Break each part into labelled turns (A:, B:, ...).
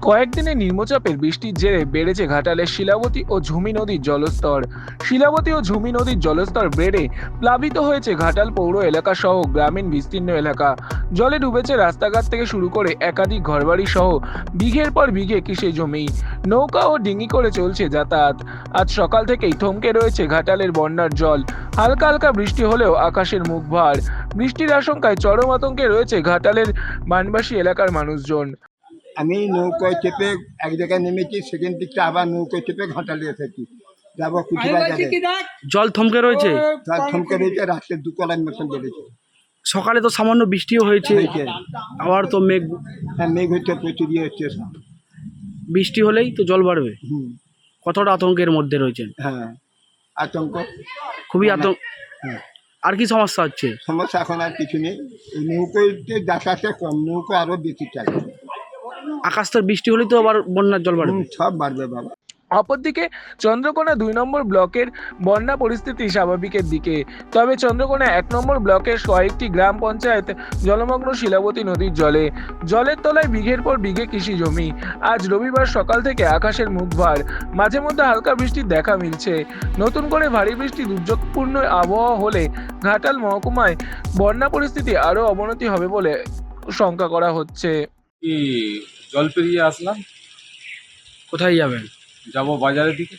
A: কয়েকদিনে নিম্নচাপের বৃষ্টির জেরে বেড়েছে ঘাটালের শিলাবতী ও ঝুমি নদীর জলস্তর। শিলাবতী ও ঝুমি নদীর জলস্তর বেড়ে প্লাবিত হয়েছে ঘাটাল পৌর এলাকা সহ গ্রামীণ বিস্তীর্ণ এলাকা। জলে ডুবেছে রাস্তাঘাট থেকে শুরু করে একাধিক ঘরবাড়ি সহ বিঘের পর বিঘে কৃষি জমি। নৌকা ও ডিঙি করে চলছে যাতায়াত। আজ সকাল থেকেই থমকে রয়েছে ঘাটালের বন্যার জল। হালকা হালকা বৃষ্টি হলেও আকাশের মুখ ভার। বৃষ্টির আশঙ্কায় চরম আতঙ্কে রয়েছে ঘাটালের বানবাসী এলাকার মানুষজন।
B: আমি নৌকোয় চেপে এক জায়গায় নেমেছি, সেখান থেকে আবার নৌকোয় চেপে ঘাটালে এসেছি, যাবো কুচিবাজারে।
C: জল থমকে রয়েছে।
B: তার থমকে রয়েছে, রাত্রে 2 কলার মতন বেড়েছে।
C: সকালে তো সামান্য বৃষ্টিও হয়েছে, আবার তো মেঘ।
B: হ্যাঁ, মেঘ হচ্ছে, প্রচুর হচ্ছে সব।
C: বৃষ্টি হলেই তো জল বাড়বে। কতটা আতঙ্কের মধ্যে রয়েছেন?
B: হ্যাঁ, আতঙ্ক,
C: খুবই আতঙ্ক।
B: হ্যাঁ।
C: আর কি সমস্যা হচ্ছে?
B: সমস্যা এখন আর কিছু নেই, এই নৌকোতে যাতায়াতটা কম, নৌকো আরো বেশি চাই।
C: আকাশ তো বৃষ্টি হলেই তো আবার বন্যার জল বাড়বে।
B: সব বাড়বে বাবা।
A: অপরদিকে চন্দ্রকোনা 2 নম্বর ব্লকের বন্যা পরিস্থিতি স্বাভাবিকের দিকে। তবে চন্দ্রকোনা 1 নম্বর ব্লকের কয়েকটি গ্রাম পঞ্চায়েত জলমগ্ন শিলাবতী নদীর জলে। জলের তলায় বিঘের পর বিঘে কৃষি জমি। আজ রবিবার সকাল থেকে আকাশের মুখ ভার। মাঝে মধ্যে হালকা বৃষ্টির দেখা মিলছে। নতুন করে ভারী বৃষ্টি দুর্যোগপূর্ণ আবহাওয়া হলে ঘাটাল মহকুমায় বন্যা পরিস্থিতি আরও অবনতি হবে বলে শঙ্কা করা হচ্ছে।
D: কি জল পেরিয়ে আসলাম,
C: কোথায় যাবেন?
D: যাব বাজারের দিকে।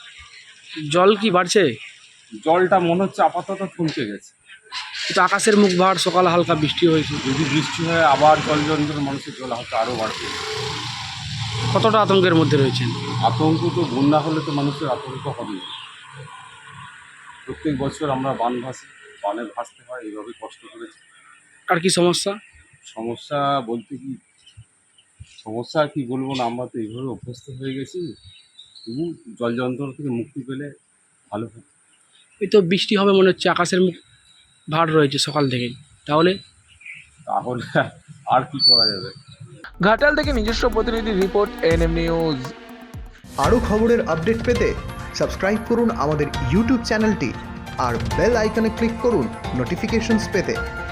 C: জল কি বাড়ছে?
D: জলটা মনে হচ্ছে আপাতত থমকে গেছে।
C: কিন্তু আকাশের মুখ ভার, সকালে হালকা বৃষ্টি হয়েছে।
D: যদি বৃষ্টি হয় আবার জল জঞ্জল, মানুষের জল হয়তো আরও বাড়বে।
C: কতটা আতঙ্কের মধ্যে রয়েছেন?
D: আতঙ্ক তো, বন্যা হলে তো মানুষের আতঙ্ক হবে। প্রত্যেক বছর আমরা বানে ভাসতে হয়, এইভাবে কষ্ট করেছি।
C: আর কি সমস্যা?
D: সমস্যা বলতে কি, সমস্যা আর কি বলবো না, আমরা তো এইভাবে অভ্যস্ত হয়ে গেছি। তবু জল যন্ত্রণা থেকে মুক্তি পেলে ভালো হয়।
C: এই তো বৃষ্টি হবে মনে হচ্ছে, আকাশের মুখ ভার রয়েছে সকাল থেকেই। তাহলে
D: আর কি করা যাবে?
A: ঘাটাল থেকে নিজস্ব প্রতিনিধি রিপোর্ট, এনএম নিউজ।
E: আরও খবরের আপডেট পেতে সাবস্ক্রাইব করুন আমাদের ইউটিউব চ্যানেলটি আর বেল আইকনে ক্লিক করুন নোটিফিকেশনস পেতে।